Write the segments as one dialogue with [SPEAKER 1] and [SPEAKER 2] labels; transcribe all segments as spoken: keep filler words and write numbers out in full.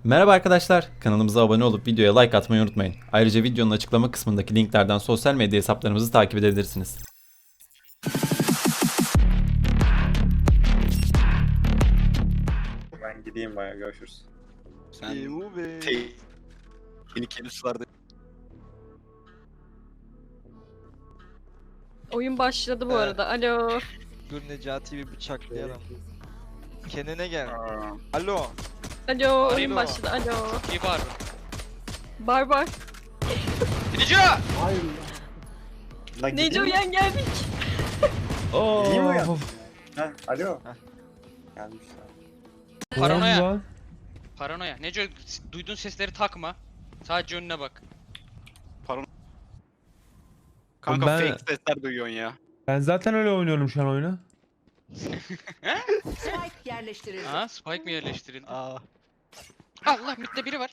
[SPEAKER 1] Merhaba arkadaşlar, kanalımıza abone olup videoya like atmayı unutmayın. Ayrıca videonun açıklama kısmındaki linklerden sosyal medya hesaplarımızı takip edebilirsiniz.
[SPEAKER 2] Ben gideyim bayağı, görüşürüz.
[SPEAKER 3] Sen
[SPEAKER 4] Be.
[SPEAKER 3] tehlikeli sularda
[SPEAKER 5] Oyun başladı bu arada. Alo.
[SPEAKER 4] Dur Necati bir bıçaklayalım. Kendine gel.
[SPEAKER 2] Aa,
[SPEAKER 4] Alo.
[SPEAKER 5] Alo. Oyun
[SPEAKER 4] Alo.
[SPEAKER 5] başladı. Alo.
[SPEAKER 6] İyi var.
[SPEAKER 5] Barbar.
[SPEAKER 6] Gidici!
[SPEAKER 2] lan
[SPEAKER 5] Neco
[SPEAKER 2] gideyim mi?
[SPEAKER 5] yan geldik.
[SPEAKER 2] İyi mi ya? Ha, alo. Gelmişler.
[SPEAKER 6] Paranoya. Paranoya. Neco, duyduğun sesleri takma. Sadece önüne bak.
[SPEAKER 3] kanka
[SPEAKER 7] Ben-
[SPEAKER 3] fake sesler duyuyorsun ya.
[SPEAKER 7] Ben zaten öyle oynuyorum şu an oyunu.
[SPEAKER 8] Spike yerleştirildi.
[SPEAKER 6] Ha, spike mi yerleştirildi?
[SPEAKER 4] Aa.
[SPEAKER 6] Allah, midde biri var.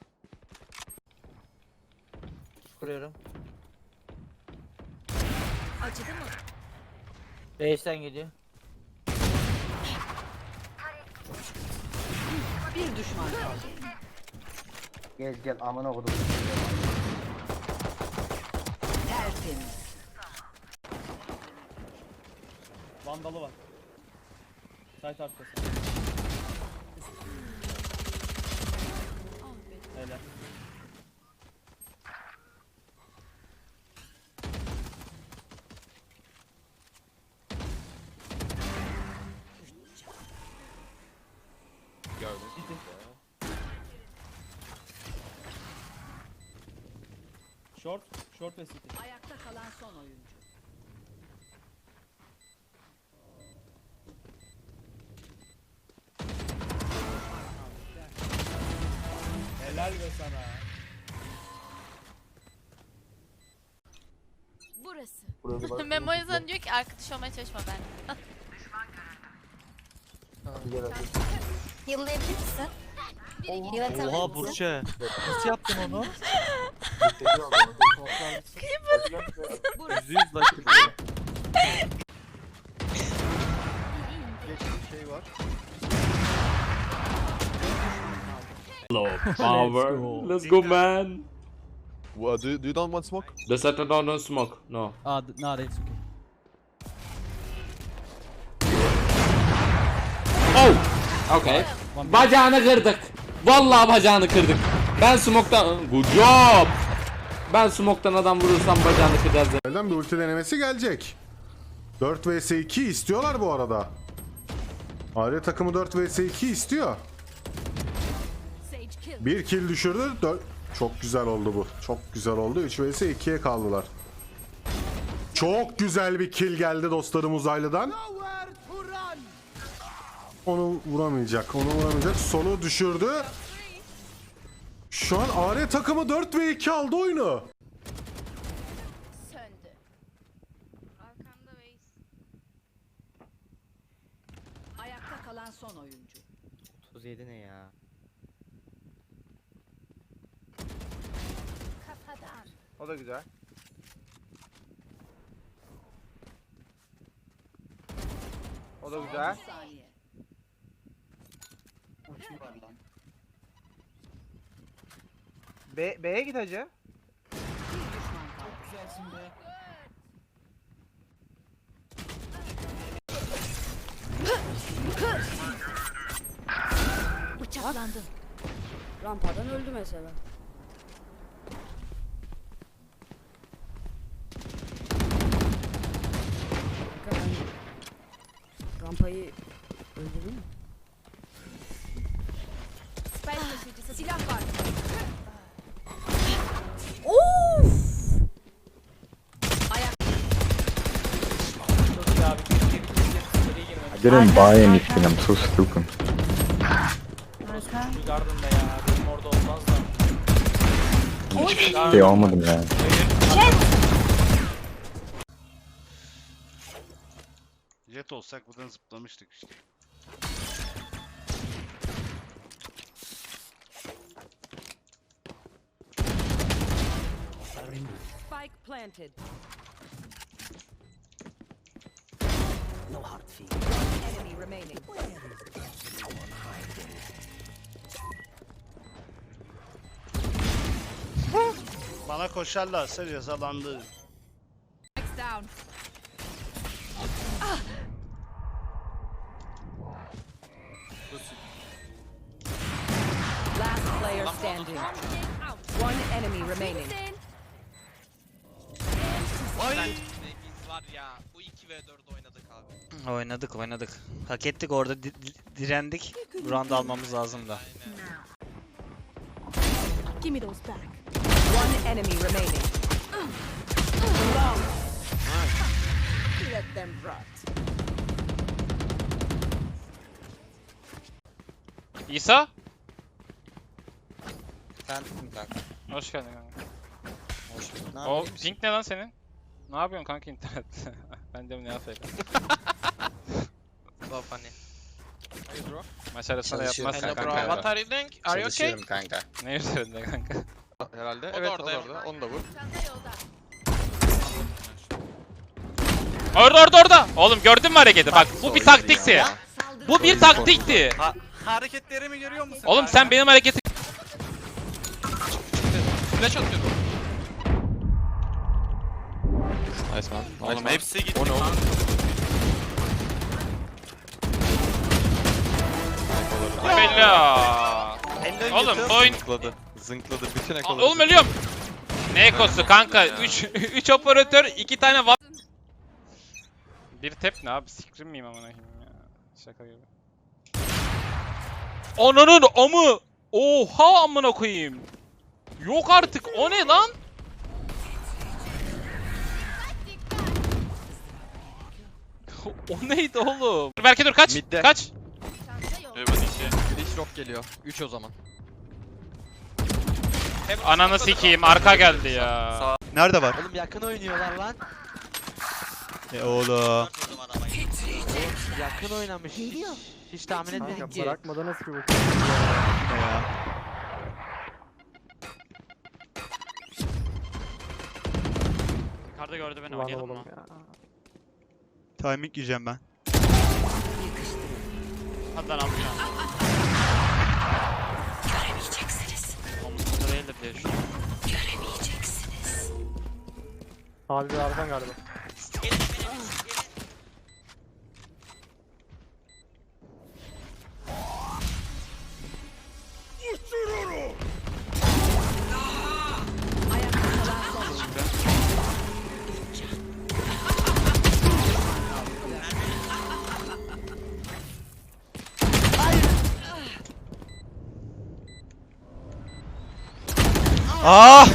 [SPEAKER 9] Kuruyorum.
[SPEAKER 8] Acıdı mı?
[SPEAKER 9] Reis'ten geliyor.
[SPEAKER 8] Bir düşman kaldı.
[SPEAKER 9] Gel gel amına kodum.
[SPEAKER 8] Tertemiz.
[SPEAKER 10] Vandalı var. Site arkası. Helal.
[SPEAKER 3] Gördüm.
[SPEAKER 10] Short, short ve city.
[SPEAKER 8] Ayakta kalan son oyuncu.
[SPEAKER 10] Helal be sana.
[SPEAKER 11] Burası. Memo yazan diyor ki arkadaş olmaya çalışma ben. Yıllayabilir misin?
[SPEAKER 4] Oha Burçe. Nasıl yaptın onu? Yüzde yüz like. Geçmiş şey var.
[SPEAKER 7] Power.
[SPEAKER 10] Let's go
[SPEAKER 7] man.
[SPEAKER 4] What, do, do you don't want smoke?
[SPEAKER 7] The center don't, don't smoke. No.
[SPEAKER 10] Ah, no, it's okay.
[SPEAKER 7] Oh. Okay. Bacağını kırdık. Vallahi bacağını kırdık. Ben smoke'tan good job. Ben smoke'tan adam vurursam bacağını kıracağız.
[SPEAKER 12] Elden bir ulti denemesi gelecek. dört vs iki istiyorlar bu arada. Arya takımı dört vs iki istiyor.
[SPEAKER 8] Sage kill.
[SPEAKER 12] Bir kill düşürdü. dört Çok güzel oldu bu. Çok güzel oldu. üç vs ikiye kaldılar. Çok güzel bir kill geldi dostlarım uzaylıdan. Onu vuramayacak. Onu vuramayacak. Solu düşürdü. Şu an Arya takımı dört ve iki aldı oyunu.
[SPEAKER 11] Söndü. Arkanda Veys.
[SPEAKER 8] Ayakta kalan son oyuncu.
[SPEAKER 9] otuz yedi ne ya?
[SPEAKER 11] Kafadan.
[SPEAKER 4] O da güzel. O da güzel.
[SPEAKER 8] otuz saniye.
[SPEAKER 4] B B'ye git hacı.
[SPEAKER 8] Bir düşman kaldı.
[SPEAKER 11] Bıçaklandım.
[SPEAKER 8] Rampadan öldü mesela. Rampayı öldürdü mü?
[SPEAKER 11] Spike taşıyıcısı.
[SPEAKER 8] Silah var.
[SPEAKER 10] Çok iyi abi. Keşke bir seri girmemiş.
[SPEAKER 2] I didn't buy anything, I'm so stupid.
[SPEAKER 10] Bir gardında ya. Benim orada olmaz da.
[SPEAKER 2] Hiçbir şey almadım yani.
[SPEAKER 3] Jet olsak buradan zıplamıştık işte.
[SPEAKER 8] Spike planted.
[SPEAKER 9] No hard feet.
[SPEAKER 8] Enemy remaining.
[SPEAKER 3] Bana koşarlarsa cezalandırırım.
[SPEAKER 8] Down. Last player standing. One enemy remaining.
[SPEAKER 4] Biz var ya bu iki ve dört oynadık abi. Oynadık oynadık. Hak ettik orada di- di- direndik. Round almamız lazım da.
[SPEAKER 8] Give me those back. One enemy remaining. Long. Let them rot.
[SPEAKER 6] İsa?
[SPEAKER 4] Sen tutun kanka.
[SPEAKER 6] Hoş geldin kanka.
[SPEAKER 4] Hoş bulduk. Ne
[SPEAKER 6] O
[SPEAKER 4] yapayım?
[SPEAKER 6] pink ne lan senin? Ne yapıyorsun kanka internet? Ben de ne yapayım?
[SPEAKER 4] So funny.
[SPEAKER 6] Mesela sana
[SPEAKER 4] Çalışıyorum
[SPEAKER 6] yapmaz
[SPEAKER 4] kanka.
[SPEAKER 6] kanka.
[SPEAKER 4] What
[SPEAKER 6] are you doing? Are you okay?
[SPEAKER 4] Çalışıyorum kanka.
[SPEAKER 6] Ne üzerinde kanka?
[SPEAKER 4] Herhalde.
[SPEAKER 6] O da
[SPEAKER 4] evet
[SPEAKER 6] orada,
[SPEAKER 4] o da orada. Onu da vur.
[SPEAKER 11] Çanta yolda.
[SPEAKER 6] Orada orada orada. Oğlum gördün mü hareketi? Bak bu bir taktikti. Bu bir taktikti.
[SPEAKER 3] Hareketlerimi görüyor musun?
[SPEAKER 6] Oğlum sen benim hareketi... Flash atıyorum.
[SPEAKER 7] Nice man.
[SPEAKER 3] Oğlum hepsi gitti.
[SPEAKER 7] O ne oğlum?
[SPEAKER 6] Bella. Oğlum bu oyun...
[SPEAKER 7] Zınkladı. Zınkladı. Bütün
[SPEAKER 6] Aa,
[SPEAKER 7] ekoları.
[SPEAKER 6] Oğlum ölüyorum. Ne ekosu kanka? üç üç operatör, iki tane va... Bir tep ne abi? Sikrim miyim amına koyayım ya? Şaka gibi. Ananın amı! Oha amına koyayım. Yok artık. O ne lan? O neydi oğlum? Berke dur kaç.
[SPEAKER 7] Midde.
[SPEAKER 6] Kaç.
[SPEAKER 11] Çanta yolda.
[SPEAKER 4] Flash rock geliyor. üç o zaman.
[SPEAKER 6] Ananı sikeyim. Arka geldi ya.
[SPEAKER 3] Nerede var?
[SPEAKER 4] Oğlum yakın oynuyorlar lan.
[SPEAKER 3] E oğlum.
[SPEAKER 4] Yakın oynamış. Hiç, hiç tahmin etmedik ki.
[SPEAKER 9] Bırakmadan nasıl bir
[SPEAKER 6] Yukarıda gördü beni oynayalım mı?
[SPEAKER 3] Timing yiyeceğim ben.
[SPEAKER 6] Hadi lan altına. Göremeyeceksiniz. Omuzunda değildir diye düşünüyorum.
[SPEAKER 9] Abi bir aradan galiba.
[SPEAKER 3] Ah!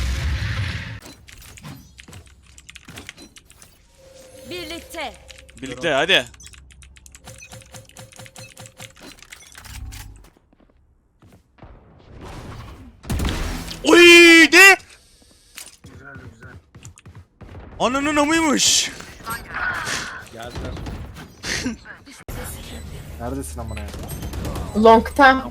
[SPEAKER 8] Birlikte.
[SPEAKER 3] Birlikte hadi. Oy ne? Güzel güzel. Ananın amıymış.
[SPEAKER 9] Neredesin amına ya?
[SPEAKER 5] Long'ta.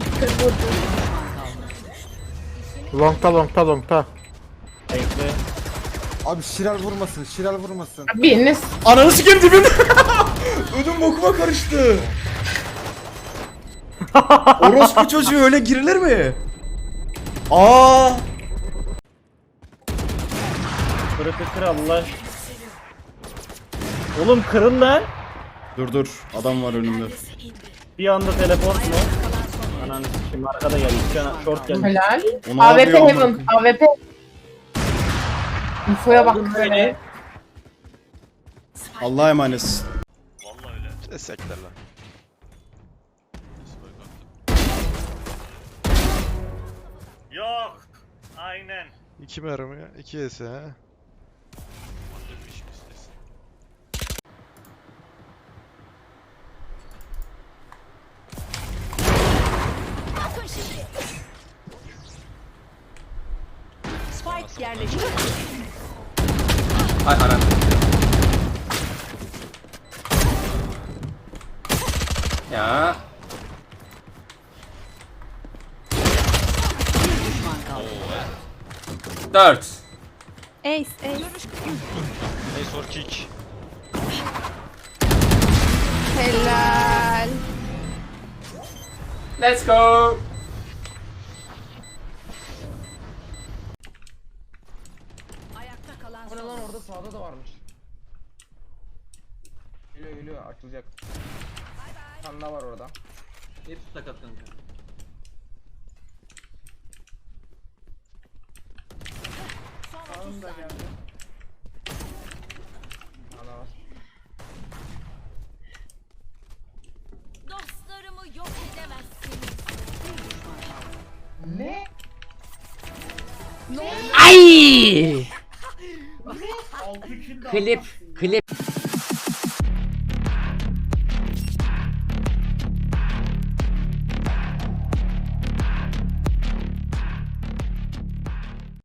[SPEAKER 9] Longta longta longta. Bekle. Abi Şiral vurmasın, Şiral vurmasın.
[SPEAKER 5] Biriniz.
[SPEAKER 12] Ananı sikeyim dibinde. Ödüm bokuma karıştı. Orospu çocuğu öyle girilir mi? Aa!
[SPEAKER 9] Kırıkı kır Allah. Oğlum kırın lan.
[SPEAKER 12] Dur dur, adam var önümde.
[SPEAKER 9] Bir anda teleport mu? Ananı sikeyim arkada geldi. Bir tane short geldi.
[SPEAKER 5] Helal.
[SPEAKER 12] O ne yapıyor amına koyayım?
[SPEAKER 5] A W P. Infoya bak.
[SPEAKER 9] Aldın beni.
[SPEAKER 12] Allah'a emanetsin.
[SPEAKER 7] Esekler lan.
[SPEAKER 10] Yok. Aynen.
[SPEAKER 7] İki mermi, iki ese ha.
[SPEAKER 8] Spike yerleşti.
[SPEAKER 1] Ay aran. Ya. Dört.
[SPEAKER 5] Ace, ace.
[SPEAKER 3] Ace or kick.
[SPEAKER 5] Helal. Let's go.
[SPEAKER 8] son oyuncu.
[SPEAKER 10] orada sağda da varmış. Geliyor geliyor açılacak. Bir tane daha var orada.
[SPEAKER 9] Hepsi sakat kanka.
[SPEAKER 8] Son otuz saniye.
[SPEAKER 10] Ana var.
[SPEAKER 8] Dostlarımı yok edemezsiniz.
[SPEAKER 7] Ay! Klip, klip.